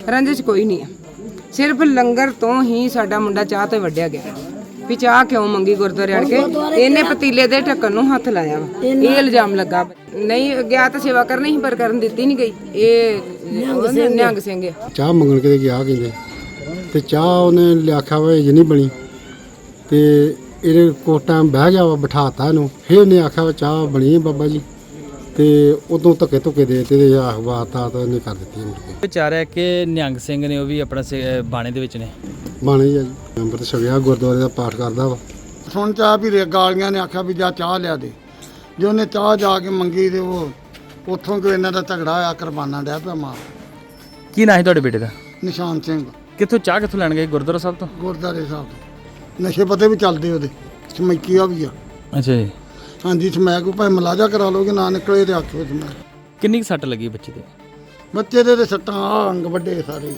ਰੰਜਿਸ਼ ਕੋਈ ਨਹੀਂ ਹੈ। ਸਿਰਫ ਲੰਗਰ ਤੋਂ ਹੀ ਸਾਡਾ ਮੁੰਡਾ ਚਾਹ ਤੇ ਵੱਢਿਆ ਗਿਆ ਵੀ ਚਾਹ ਕਿਉਂ ਮੰਗੀ ਗੁਰਦੁਆਰੇ ਆੜ ਕੇ। ਇਹਨੇ ਪਤੀਲੇ ਦੇ ਢੱਕਣ ਨੂੰ ਹੱਥ ਲਾਇਆ ਵਾ, ਇਹ ਇਲਜ਼ਾਮ ਲੱਗਾ। ਨਹੀਂ ਗਿਆ ਤਾਂ ਸੇਵਾ ਕਰਨੀ ਸੀ ਪਰ ਕਰਨ ਦਿੱਤੀ ਨਹੀਂ ਗਈ। ਇਹ ਨਿਹੰਗ ਸਿੰਘ ਆ। ਚਾਹ ਮੰਗਣ ਕਿਤੇ ਗਿਆ ਕਹਿੰਦੇ ਤੇ ਚਾਹ ਉਹਨੇ ਆਖਿਆ ਵਾ ਇਹ ਨਹੀਂ ਬਣੀ ਤੇ ਇਹਦੇ ਕੋਲ ਟਾਈਮ ਬਹਿ ਗਿਆ ਵਾ, ਬਿਠਾਤਾ ਇਹਨੂੰ। ਫਿਰ ਉਹਨੇ ਆਖਿਆ ਵਾ ਚਾਹ ਬਣੀ ਹੈ ਬਾਬਾ ਜੀ ਤੇ ਉਦੋਂ ਧੱਕੇ ਧੁੱਕੇ ਦੇ ਤੇ ਵਾਰਤਾ ਤਾਂ ਇਹਨੇ ਕਰ ਦਿੱਤੀ। ਮੁੜ ਕੇ ਵਿਚਾਰ ਹੈ ਕਿ ਨਿਹੰਗ ਸਿੰਘ ਨੇ ਉਹ ਵੀ ਆਪਣਾ ਬਾਣੇ ਦੇ ਵਿੱਚ ਨੇ। ਬਾਣੇ ਜੀ ਅੰਮ੍ਰਿਤ ਛਕਿਆ, ਗੁਰਦੁਆਰੇ ਦਾ ਪਾਠ ਕਰਦਾ ਵਾ। ਸੁਣ ਚਾਹ ਵੀ ਗਾਲੀਆਂ ਨੇ ਆਖਿਆ ਵੀ ਜਾ ਚਾਹ ਲਿਆ ਦੇ। ਜੇ ਉਹਨੇ ਚਾਹ ਜਾ ਕੇ ਮੰਗੀ ਤੇ ਉਹ ਉੱਥੋਂ ਕੋਈ ਇਹਨਾਂ ਦਾ ਝਗੜਾ ਹੋਇਆ, ਕੁਰਬਾਨਾ ਡਿਆ ਪਿਆ ਮਾਰ। ਕੀ ਨਾਂ ਹੈ ਤੁਹਾਡੇ ਬੇਟੇ ਦਾ? ਨਿਸ਼ਾਨ ਸਿੰਘ ਕਿੱਥੋਂ ਚਾਹ ਕਿੱਥੋਂ ਲੈਣ ਗਏ? ਗੁਰਦੁਆਰਾ ਸਾਹਿਬ ਤੋਂ? ਗੁਰਦਾਰੇ ਸਾਹਿਬ ਤੋਂ। ਨਸ਼ੇ ਪਤੇ ਵੀ ਚੱਲਦੇ ਉਹਦੇ, ਸਮੈਕੀਆ ਵੀ ਆ। ਅੱਛਾ ਜੀ। ਹਾਂਜੀ ਸਮੈਕ ਕੋਈ ਭਾਵੇਂ ਮਲਾਜਾ ਕਰਾ ਲਓਗੇ, ਨਾ ਨਿਕਲੇ ਤੇ ਆਖੋ ਸਮੈਕ। ਕਿੰਨੀ ਕੁ ਸੱਟ ਲੱਗੀ ਬੱਚੇ ਦੇ? ਬੱਚੇ ਦੇ ਤੇ ਸੱਟਾਂ ਆਹ ਅੰਗ ਵੱਡੇ ਸਾਰੇ।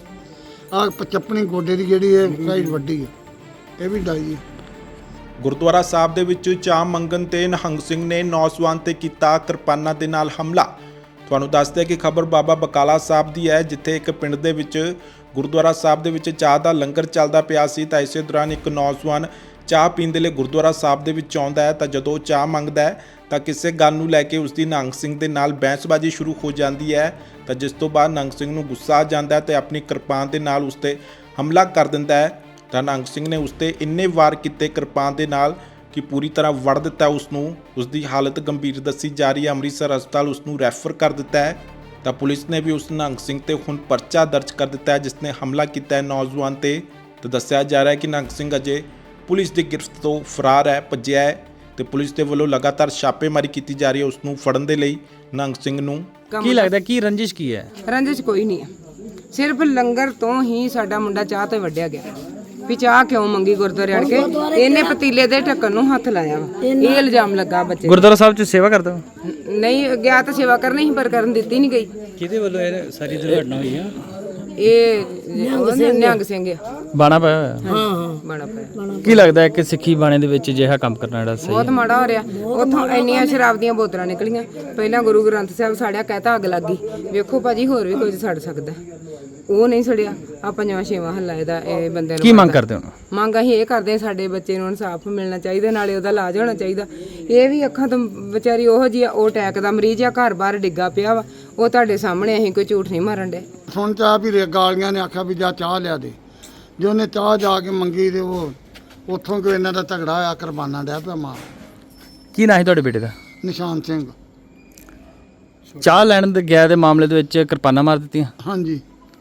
ਆਹ ਚੱਪਣੀ ਗੋਡੇ ਦੀ ਜਿਹੜੀ ਹੈ ਸਾਈਡ ਵੱਡੀ ਹੈ, ਇਹ ਵੀ ਡਾਈ ਹੈ। ਗੁਰਦੁਆਰਾ ਸਾਹਿਬ ਦੇ ਵਿੱਚ ਚਾਹ ਮੰਗਣ ਤੇ ਨਿਹੰਗ ਸਿੰਘ ਨੇ ਨੌਜਵਾਨ ਤੇ ਕੀਤਾ ਕਿਰਪਾਨਾਂ ਦੇ ਨਾਲ ਹਮਲਾ। ਤੁਹਾਨੂੰ ਦੱਸਦੇ ਕਿ ਖਬਰ ਬਾਬਾ ਬਕਾਲਾ ਸਾਹਿਬ ਦੀ ਹੈ, ਜਿੱਥੇ ਇੱਕ ਪਿੰਡ ਦੇ ਵਿੱਚ ਗੁਰਦੁਆਰਾ ਸਾਹਿਬ ਦੇ ਵਿੱਚ ਚਾਹ ਦਾ ਲੰਗਰ ਚੱਲਦਾ ਪਿਆ ਸੀ ਤਾਂ ਇਸੇ ਦੌਰਾਨ ਇੱਕ ਨੌਜਵਾਨ ਚਾਹ ਪੀਣ ਦੇ ਲਈ ਗੁਰਦੁਆਰਾ ਸਾਹਿਬ ਦੇ ਵਿੱਚ ਆਉਂਦਾ ਹੈ ਤਾਂ ਜਦੋਂ ਚਾਹ ਮੰਗਦਾ ਹੈ ਤਾਂ ਕਿਸੇ ਗੱਲ ਨੂੰ ਲੈ ਕੇ ਉਸ ਦੀ ਨਿਹੰਗ ਸਿੰਘ ਦੇ ਨਾਲ ਬਹਿਸਬਾਜ਼ੀ ਸ਼ੁਰੂ ਹੋ ਜਾਂਦੀ ਹੈ ਤਾਂ ਜਿਸ ਤੋਂ ਬਾਅਦ ਨਿਹੰਗ ਸਿੰਘ ਨੂੰ ਗੁੱਸਾ ਆ ਜਾਂਦਾ ਹੈ ਤੇ ਆਪਣੀ ਕਿਰਪਾਨ ਦੇ ਨਾਲ ਉਸ ਤੇ ਹਮਲਾ ਕਰ ਦਿੰਦਾ ਹੈ ਤਾਂ ਨਿਹੰਗ ਸਿੰਘ ਨੇ ਉਸ ਤੇ ਇੰਨੇ ਵਾਰ ਕੀਤੇ ਕਿਰਪਾਨ ਦੇ ਨਾਲ ਕਿ ਪੂਰੀ ਤਰ੍ਹਾਂ ਵੜ ਦਿੱਤਾ ਉਸ ਨੂੰ। ਉਸ ਦੀ ਹਾਲਤ ਗੰਭੀਰ ਦੱਸੀ ਜਾ ਰਹੀ ਹੈ। ਅੰਮ੍ਰਿਤਸਰ ਹਸਪਤਾਲ ਉਸ ਨੂੰ ਰੈਫਰ ਕਰ ਦਿੱਤਾ ਹੈ ਤਾਂ ਪੁਲਿਸ ਨੇ ਵੀ ਉਸ ਨਿਹੰਗ ਸਿੰਘ ਤੇ ਹੁਣ ਪਰਚਾ ਦਰਜ ਕਰ ਦਿੱਤਾ ਹੈ ਜਿਸ ਨੇ ਹਮਲਾ ਕੀਤਾ ਹੈ ਨੌਜਵਾਨ ਤੇ। ਤਾਂ ਦੱਸਿਆ ਜਾ ਰਿਹਾ ਹੈ ਕਿ ਨਿਹੰਗ ਸਿੰਘ ਅਜੇ ਪੁਲਿਸ ਦੀ ਗਿਰਫਤ ਤੋਂ ਫਰਾਰ ਹੈ, ਭੱਜਿਆ ਹੈ ਤੇ ਪੁਲਿਸ ਦੇ ਵੱਲੋਂ ਲਗਾਤਾਰ ਛਾਪੇਮਾਰੀ ਕੀਤੀ ਜਾ ਰਹੀ ਹੈ ਉਸ ਨੂੰ ਫੜਨ ਦੇ ਲਈ। ਨਿਹੰਗ ਸਿੰਘ ਨੂੰ ਕੀ ਲੱਗਦਾ ਕੀ ਰੰਜਿਸ਼ ਕੀ ਹੈ? ਰੰਜਿਸ਼ ਕੋਈ ਨਹੀਂ ਹੈ। ਸਿਰਫ ਲੰਗਰ ਤੋਂ ਹੀ ਸਾਡਾ ਮੁੰਡਾ ਚਾਹ ਤੇ ਵੱਢਿਆ ਗਿਆ ਵੀ ਚਾਹ ਕਿਉਂ ਮੰਗੀ ਗੁਰਦੁਆਰੇ ਆੜ ਕੇ। ਇਹਨੇ ਪਤੀਲੇ ਦੇ ਢੱਕਣ ਨੂੰ ਹੱਥ ਲਾਇਆ ਵਾ, ਇਹ ਇਲਜ਼ਾਮ ਲੱਗਾ ਬੱਚੇ। ਗੁਰਦੁਆਰਾ ਸਾਹਿਬ 'ਚ ਸੇਵਾ ਕਰਦਾ ਹੋ? ਨਹੀਂ ਗਿਆ ਤਾਂ ਸੇਵਾ ਕਰਨੀ ਸੀ ਪਰ ਕਰਨ ਦਿੱਤੀ ਨਹੀਂ ਗਈ। ਕਿਹਦੇ ਵੱਲੋਂ ਇਹ ਸਾਰੀ ਦੁਰਘਟਨਾ ਹੋਈ ਆ? ਇਹ ਨਿਹੰਗ ਸਿੰਘ ਆ। ਬਾਣਾ ਪਾਇਆ ਹੋਇਆ? ਹਾਂ ਬਾਣਾ ਪਾਇਆ। ਕੀ ਲੱਗਦਾ ਹੈ ਕਿ ਸਿੱਖੀ ਬਾਣੇ ਦੇ ਵਿੱਚ ਅਜਿਹਾ ਕੰਮ ਕਰਨਾ ਜਿਹੜਾ ਸਹੀ ਬਹੁਤ ਮਾੜਾ ਹੋ ਰਿਹਾ। ਉੱਥੋਂ ਇੰਨੀਆਂ ਸ਼ਰਾਬ ਦੀਆਂ ਬੋਤਲਾਂ ਨਿਕਲੀਆਂ। ਪਹਿਲਾਂ ਗੁਰੂ ਗ੍ਰੰਥ ਸਾਹਿਬ ਸਾੜਿਆ, ਕਹਿਤਾ ਅੱਗ ਲੱਗ ਗਈ। ਵੇਖੋ ਭਾਜੀ ਹੋਰ ਵੀ ਕੁਝ ਸੜ ਸਕਦਾ, ਉਹ ਨਹੀਂ ਸੜਿਆ। ਆ ਪੰਜਵਾਂ ਛੇਵਾਂ ਹੱਲਾ ਇਹਦਾ ਇਹ ਬੰਦੇ ਨੂੰ। ਕੀ ਮੰਗ ਕਰਦੇ ਹੋ? ਮੰਗ ਅਸੀਂ ਇਹ ਕਰਦੇ ਹਾਂ ਸਾਡੇ ਬੱਚੇ ਨੂੰ ਇਨਸਾਫ ਮਿਲਣਾ ਚਾਹੀਦਾ, ਨਾਲੇ ਉਹਦਾ ਇਲਾਜ ਹੋਣਾ ਚਾਹੀਦਾ। ਇਹ ਵੀ ਅੱਖਾਂ ਤੋਂ ਵਿਚਾਰੀ ਉਹੋ ਜਿਹੀ ਆ, ਉਹ ਅਟੈਕ ਦਾ ਮਰੀਜ਼ ਆ, ਘਰ ਬਾਹਰ ਡਿੱਗਾ ਪਿਆ ਵਾ। ਉਹ ਤੁਹਾਡੇ ਸਾਹਮਣੇ, ਅਸੀਂ ਕੋਈ ਝੂਠ ਨਹੀਂ ਮਾਰਨ ਡੇ। ਸੁਣ ਚਾਹ ਵੀ ਗਾਲੀਆਂ ਨੇ ਆਖਿਆ ਵੀ ਜਾ ਚਾਹ ਲਿਆ ਦੇ। ਜੇ ਉਹਨੇ ਚਾਹ ਜਾ ਕੇ ਮੰਗੀ ਤੇ ਉਹ ਉੱਥੋਂ ਕੋਈ ਇਹਨਾਂ ਦਾ ਝਗੜਾ ਹੋਇਆ, ਕੁਰਬਾਨਾ ਡਿਆ ਪਿਆ ਮਾਰ। ਕੀ ਨਾਂ ਹੈ ਤੁਹਾਡੇ ਬੇਟੇ ਦਾ? ਨਿਸ਼ਾਨ ਸਿੰਘ। ਚਾਹ ਲੈਣ ਦੇ ਗਿਆ ਦੇ ਮਾਮਲੇ ਦੇ ਵਿੱਚ ਕਿਰਪਾਨਾਂ ਮਾਰ ਦਿੱਤੀਆਂ? ਹਾਂਜੀ।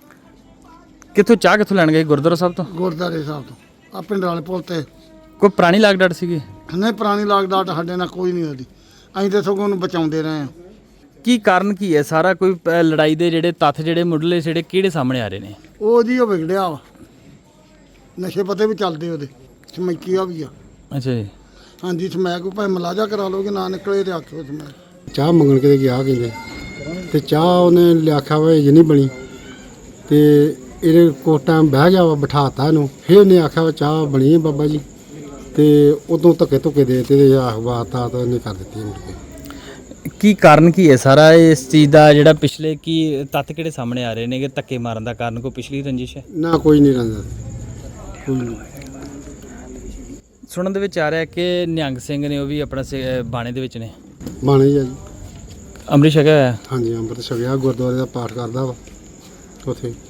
ਕਿੱਥੋਂ ਚਾਹ ਕਿੱਥੋਂ ਲੈਣ ਗਏ? ਗੁਰਦੁਆਰਾ ਸਾਹਿਬ ਤੋਂ? ਗੁਰਦਾਰੇ ਸਾਹਿਬ ਤੋਂ। ਆ ਪਿੰਡ ਵਾਲੇ ਪੁੱਲ ਤੇ। ਕੋਈ ਪੁਰਾਣੀ ਲਾਗ ਡਾਟ ਸੀਗੀ? ਨਹੀਂ ਪੁਰਾਣੀ ਲਾਗਡਾਟ ਸਾਡੇ ਨਾਲ ਕੋਈ ਨਹੀਂ ਉਹਦੀ। ਅਸੀਂ ਤਾਂ ਸਗੋਂ ਉਹਨੂੰ ਬਚਾਉਂਦੇ ਰਹੇ ਹਾਂ। ਕੀ ਕਾਰਨ ਕੀ ਹੈ ਸਾਰਾ? ਕੋਈ ਲੜਾਈ ਦੇ ਜਿਹੜੇ ਤੱਥ ਜਿਹੜੇ ਮੁੱਢਲੇ ਜਿਹੜੇ ਕਿਹੜੇ ਸਾਹਮਣੇ ਆ ਰਹੇ ਨੇ? ਉਹ ਜੀ ਉਹ ਵਿਗੜਿਆ ਵਾ, ਨਸ਼ੇ ਪਤੇ ਵੀ ਚੱਲਦੇ ਉਹਦੇ, ਸਮੈਕੀਆ ਵੀ ਆ। ਅੱਛਾ ਜੀ। ਹਾਂਜੀ ਸਮੈਕ ਕੋਈ ਭਾਵੇਂ ਮਲਾਜਾ ਕਰਾ ਲਓਗੇ, ਨਾ ਨਿਕਲੇ ਤੇ ਆਖੋ ਸਮੈਕ। ਚਾਹ ਮੰਗਣ ਕਿਤੇ ਗਿਆ ਕਹਿੰਦੇ ਤੇ ਚਾਹ ਉਹਨੇ ਆਖਿਆ ਵਾ ਇਹ ਨਹੀਂ ਬਣੀ ਤੇ ਇਹਦੇ ਕੋਲ ਟਾਈਮ ਬਹਿ ਗਿਆ ਵਾ, ਬਿਠਾਤਾ ਇਹਨੂੰ। ਫਿਰ ਉਹਨੇ ਆਖਿਆ ਵਾ ਚਾਹ ਬਣੀ ਹੈ ਬਾਬਾ ਜੀ ਤੇ ਉਦੋਂ ਧੱਕੇ ਧੁੱਕੇ ਦੇ ਤੇ ਵਾਰਤਾ ਤਾਂ ਇਹਨੇ ਕਰ ਦਿੱਤੀ। ਮੁੜ ਕੇ ਕੀ ਕਾਰਨ ਕੀ ਹੈ ਸਾਰਾ ਇਸ ਚੀਜ਼ ਦਾ? ਜਿਹੜਾ ਪਿਛਲੇ ਕੀ ਤੱਥ ਕਿਹੜੇ ਸਾਹਮਣੇ ਆ ਰਹੇ ਨੇ ਕਿ ਧੱਕੇ ਮਾਰਨ ਦਾ ਕਾਰਨ ਕੋਈ ਪਿਛਲੀ ਰੰਜਿਸ਼ ਹੈ? ਨਾ ਕੋਈ ਨਹੀਂ ਰਹਿੰਦਾ, ਕੋਈ ਨਹੀਂ। ਸੁਣਨ ਦੇ ਵਿੱਚ ਆ ਰਿਹਾ ਕਿ ਨਿਹੰਗ ਸਿੰਘ ਨੇ ਉਹ ਵੀ ਆਪਣਾ ਬਾਣੇ ਦੇ ਵਿੱਚ ਨੇ। ਬਾਣੇ ਜੀ ਅੰਮ੍ਰਿਤ ਛਕਿਆ ਹੋਇਆ? ਹਾਂਜੀ ਅੰਮ੍ਰਿਤ ਛਕਿਆ, ਗੁਰਦੁਆਰੇ ਦਾ ਪਾਠ ਕਰਦਾ ਵਾ ਉੱਥੇ।